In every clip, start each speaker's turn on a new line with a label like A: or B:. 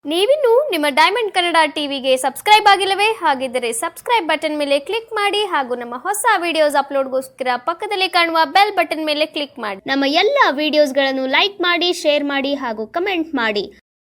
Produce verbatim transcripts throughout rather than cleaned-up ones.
A: ನೀವಿನ್ನು ನಿಮ್ಮ ಡೈಮಂಡ್ ಕನ್ನಡ ಟಿವಿಗೆ ಸಬ್ಸ್ಕ್ರೈಬ್ ಆಗಿಲ್ಲವೇ? ಹಾಗಿದ್ದರೆ ಸಬ್ಸ್ಕ್ರೈಬ್ ಬಟನ್ ಮೇಲೆ ಕ್ಲಿಕ್ ಮಾಡಿ ಹಾಗೂ ನಮ್ಮ ಹೊಸ ವಿಡಿಯೋಸ್ ಅಪ್ಲೋಡ್ಗೋಸ್ಕರ ಪಕ್ಕದಲ್ಲಿ ಕಾಣುವ ಬೆಲ್ ಬಟನ್ ಮೇಲೆ ಕ್ಲಿಕ್ ಮಾಡಿ. ನಮ್ಮ ಎಲ್ಲ ವಿಡಿಯೋಸ್ಗಳನ್ನು ಲೈಕ್ ಮಾಡಿ, ಶೇರ್ ಮಾಡಿ ಹಾಗೂ ಕಮೆಂಟ್ ಮಾಡಿ.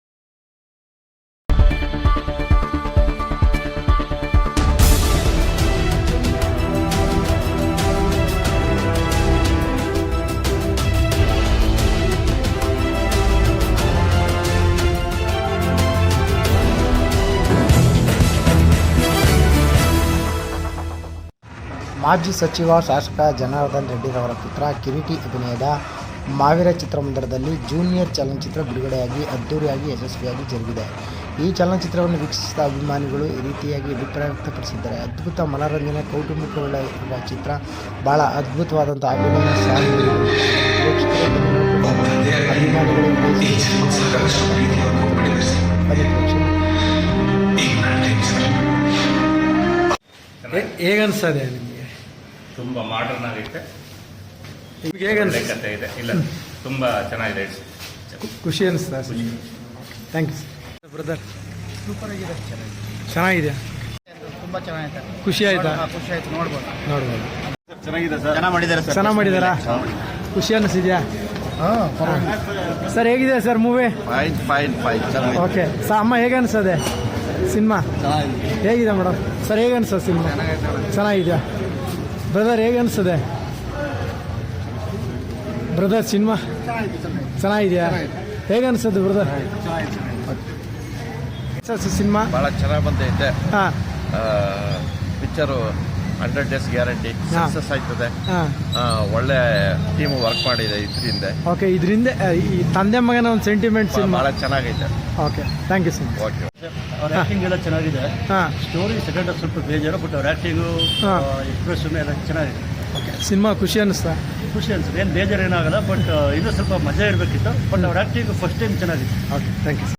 B: ಮಾಜಿ ಸಚಿವ ಶಾಸಕ ಜನಾರ್ದನ್ ರೆಡ್ಡಿರವರ ಪುತ್ರ ಕಿರೀಟಿ ಅಭಿನಯದ ಮಾವೀರ ಚಿತ್ರಮಂದಿರದಲ್ಲಿ ಜೂನಿಯರ್ ಚಲನಚಿತ್ರ ಬಿಡುಗಡೆಯಾಗಿ ಅದ್ದೂರಿಯಾಗಿ ಯಶಸ್ವಿಯಾಗಿ ಜರುಗಿದೆ. ಈ ಚಲನಚಿತ್ರವನ್ನು ವೀಕ್ಷಿಸಿದ ಅಭಿಮಾನಿಗಳು ಈ ರೀತಿಯಾಗಿ ಅಭಿಪ್ರಾಯ ವ್ಯಕ್ತಪಡಿಸಿದ್ದಾರೆ. ಅದ್ಭುತ ಮನರಂಜನೆ, ಕೌಟುಂಬಿಕವುಳ್ಳ ಚಿತ್ರ, ಬಹಳ ಅದ್ಭುತವಾದಂಥ ಅಭಿನಯ ಸಾಹಿತ್ಯ ಅಭಿಮಾನಿಗಳು
C: ಹೇಗನ್ಸದೆ ನಿಮಗೆ?
D: ತುಂಬ ಮಾಡರ್ನ್ ಆಗೈತೆ,
C: ಹೇಗೆ
D: ಕಥೆ ಇದೆ. ಇಲ್ಲ, ತುಂಬ ಚೆನ್ನಾಗಿದೆ.
C: ಖುಷಿ ಅನಿಸ್ತಾ? Thank you brother.
E: ಸೂಪರ್ ಆಗಿದೆ,
C: ಚೆನ್ನಾಗಿದೆ,
E: ತುಂಬ ಚೆನ್ನಾಗಿದೆ.
C: ಖುಷಿ ಆಯ್ತಾ?
E: ಖುಷಿ ಆಯ್ತು, ನೋಡ್ಬೋದು
C: ನೋಡ್ಬೋದು.
E: ಚೆನ್ನಾಗಿದೆ ಸರ್, ಚೆನ್ನಾಗಿ ಮಾಡಿದ್ದಾರೆ ಸರ್.
C: ಚೆನ್ನಾಗಿ ಮಾಡಿದಾರಾ? ಖುಷಿ ಅನ್ನಿಸಿದ್ಯಾ? ಸರ್ ಹೇಗಿದೆ sir movie?
E: Fine fine fine
C: okay sir. ಅಮ್ಮ ಹೇಗೆ ಅನ್ಸದೆ ಸಿನಿಮಾ? ಹೇಗಿದೆ ಮೇಡಮ್? ಸರ್ ಹೇಗೆ ಅನ್ಸೋದು ಸಿನಿಮಾ? ಚೆನ್ನಾಗಿದೆಯಾ ಬ್ರದರ್? ಹೇಗೆ ಅನ್ಸದೆ ಬ್ರದರ್ ಸಿನಿಮಾ? ಚೆನ್ನಾಗಿದೆಯಾ? ಹೇಗೆ ಅನ್ಸೋದು ಬ್ರದರ್ ಸಿನಿಮಾ?
F: ಭಾಳ ಚೆನ್ನಾಗಿ ಬಂದೈತೆ.
C: ಹಾಂ,
F: picture hundred days guarantee success ಆಯ್ತದೆ.
C: ಹಾಂ,
F: ಒಳ್ಳೆ ಟೀಮ್ ವರ್ಕ್ ಮಾಡಿದೆ ಇದರಿಂದ.
C: ಓಕೆ. ಇದರಿಂದ ಈ ತಂದೆ ಮಗನ ಒಂದು ಸೆಂಟಿಮೆಂಟ್ ಸಿನಿಮಾ
F: ಭಾಳ ಚೆನ್ನಾಗೈತೆ.
C: Okay, thank you sir.
F: Okay.
E: ಅವ್ರ ಆ್ಯಕ್ಟಿಂಗ್ ಎಲ್ಲ ಚೆನ್ನಾಗಿದೆ.
C: ಹಾಂ,
E: ಸ್ಟೋರಿ ಸೆಕೆಂಡ್ ಸ್ವಲ್ಪ ಬೇಜಾರು, ಬಟ್ ಅವ್ರ ಆ್ಯಕ್ಟಿಂಗು, ಎಕ್ಸ್ಪ್ರೆಷನ್ ಎಲ್ಲ ಚೆನ್ನಾಗಿದೆ.
C: ಓಕೆ. ಸಿನಿಮಾ ಖುಷಿ ಅನ್ನಿಸ್ತಾ?
E: ಖುಷಿ ಅನ್ಸುತ್ತೆ, ಏನು ಬೇಜಾರು ಏನಾಗಲ್ಲ, ಬಟ್ ಇನ್ನೂ ಸ್ವಲ್ಪ ಮಜಾ ಇರಬೇಕಿತ್ತು. ಬಟ್ ಅವ್ರ ಆ್ಯಕ್ಟಿಂಗ್ ಫಸ್ಟ್ ಟೈಮ್ ಚೆನ್ನಾಗಿದೆ.
C: Okay, thank you.